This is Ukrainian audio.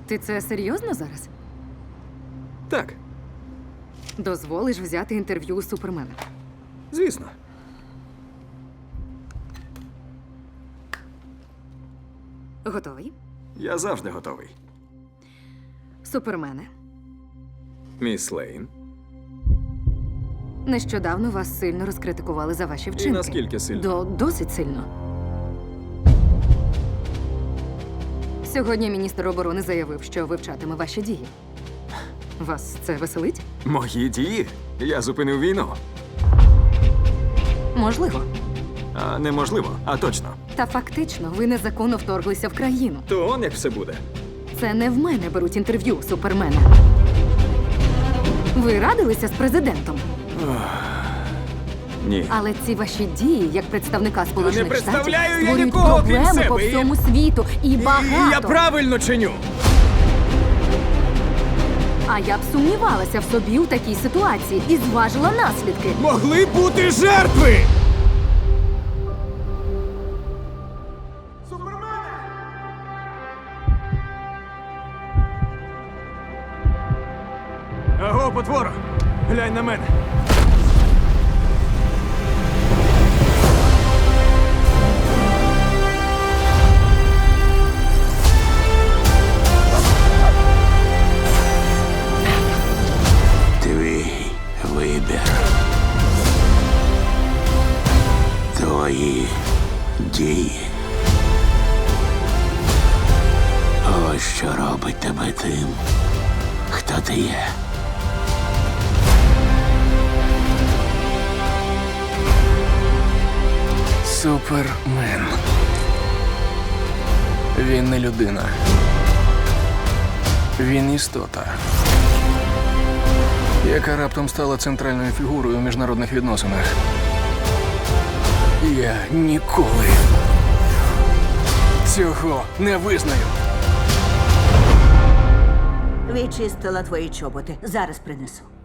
Ти це серйозно зараз? Так, Дозволиш взяти інтерв'ю у Супермена? звісно. Готовий? Я завжди готовий. Супермене, Міс Лейн. нещодавно вас сильно розкритикували за ваші вчинки. наскільки сильно? Досить сильно. Сьогодні міністр оборони заявив, що вивчатиме ваші дії. Вас це веселить? Мої дії? Я зупинив війну. Можливо. А неможливо, а точно. Та фактично ви незаконно вторглися в країну. То он як все буде. Це не в мене беруть інтерв'ю у Супермена. Ви радилися з президентом, Ні. але ці ваші дії, як представника Сполучених Штатів, представляю я створюють нікого, крім проблеми себе, по і- всьому світу. І багато. Я правильно чиню. А я б сумнівалася в собі у такій ситуації і зважила наслідки. Могли бути жертви! Аго, потвора! Глянь на мене. Твій вибір. Твої дії. Ось що робить тебе тим, хто ти є. Супермен. Він не людина. Він істота, яка раптом стала центральною фігурою у міжнародних відносинах. Я ніколи цього не визнаю. Відчистила твої чоботи. Зараз принесу.